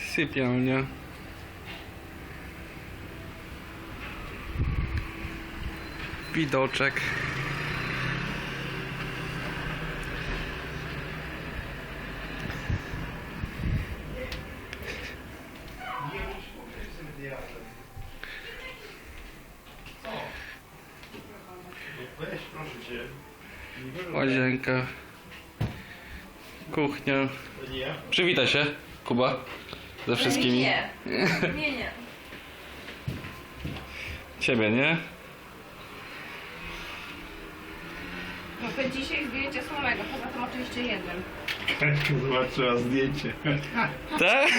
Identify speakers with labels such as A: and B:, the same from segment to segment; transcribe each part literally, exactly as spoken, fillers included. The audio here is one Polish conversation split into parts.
A: Sypialnia. Widoczek.
B: Weź, proszę cię.
A: Łazienka. Kuchnia.
B: To nie ja.
A: Przywitaj się, Kuba. Ze wszystkimi.
C: Nie, nie, nie.
A: Ciebie, nie?
C: No to dzisiaj zdjęcie słomego, poza tym oczywiście jednym.
B: Zobaczyła zdjęcie.
A: Tak?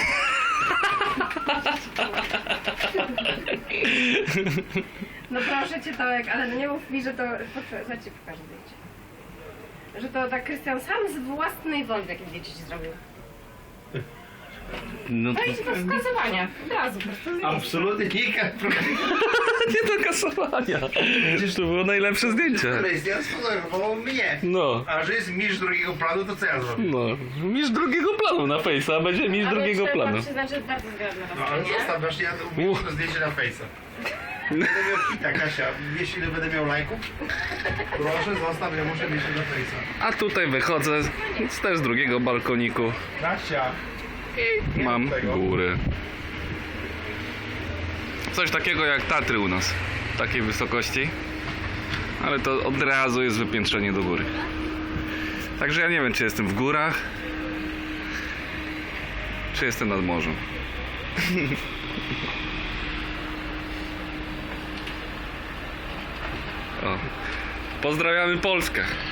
C: No proszę cię, Tomek, ale nie mów mi, że to... Za ci pokażę zdjęcie. Że to tak Krystian sam z własnej woli takie zdjęcie ci zrobił.
A: No to...
C: To jest do wskazywania. Od razu po prostu zdjęcie.
B: Absolutnie nie.
A: Nie do kasowania. Przecież to było najlepsze zdjęcie.
B: Krystian sfotografował mnie.
A: No.
B: A że jest mistrz drugiego planu, to co ja zrobię?
A: No. Mistrz drugiego planu na Face'a, a będzie mistrz
C: Ale
A: drugiego
C: trzeba
A: planu.
C: przyznać, że bardzo zgrabne
B: No ale
C: rozwiązanie.
B: zostaw, właśnie ja umieścił to zdjęcie na Face'a. Będę miał hita, Kasia. Wiesz ile będę miał lajków? Proszę zostaw, ja muszę mieć to na Face'a.
A: A tutaj wychodzę z też z drugiego balkoniku.
B: Kasia.
A: I mam
B: tego.
A: góry. Coś takiego jak Tatry u nas. Takiej wysokości. Ale to od razu jest wypiętrzenie do góry. Także ja nie wiem, czy jestem w górach, czy jestem nad morzem. O. Pozdrawiamy Polskę.